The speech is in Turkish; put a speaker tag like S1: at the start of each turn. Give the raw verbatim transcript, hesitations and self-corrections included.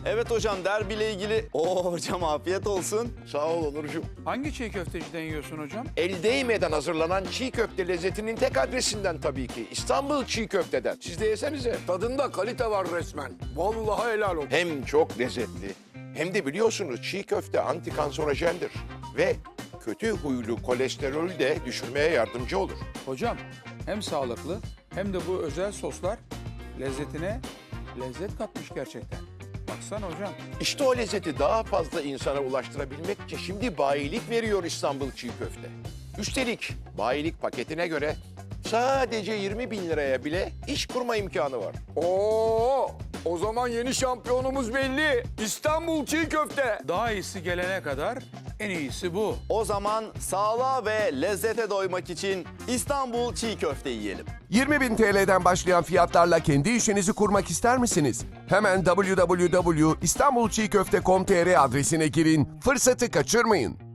S1: Evet hocam, derbiyle ilgili... Oo hocam, afiyet olsun.
S2: Sağ ol Onurcuğum.
S3: Hangi çiğ köfteciden yiyorsun hocam?
S2: El değmeden hazırlanan çiğ köfte lezzetinin tek adresinden tabii ki. İstanbul Çiğ Köfte'den. Siz de yesenize. Tadında kalite var resmen. Vallahi helal olsun. Hem çok lezzetli hem de biliyorsunuz çiğ köfte antikanserojendir. Ve kötü huylu kolesterolü de düşürmeye yardımcı olur.
S3: Hocam hem sağlıklı hem de bu özel soslar lezzetine lezzet katmış gerçekten. Baksana hocam.
S2: İşte o lezzeti daha fazla insana ulaştırabilmek için şimdi bayilik veriyor İstanbul Çiğ Köfte. Üstelik bayilik paketine göre sadece yirmi bin liraya bile iş kurma imkanı var.
S4: Oo, o zaman yeni şampiyonumuz belli. İstanbul Çiğ Köfte.
S3: Daha iyisi gelene kadar en iyisi bu.
S1: O zaman sağlığa ve lezzete doymak için İstanbul Çiğ Köfte yiyelim.
S5: yirmi bin T L'den başlayan fiyatlarla kendi işinizi kurmak ister misiniz? Hemen w w w nokta istanbul çiğ köfte nokta com nokta t r adresine girin, fırsatı kaçırmayın.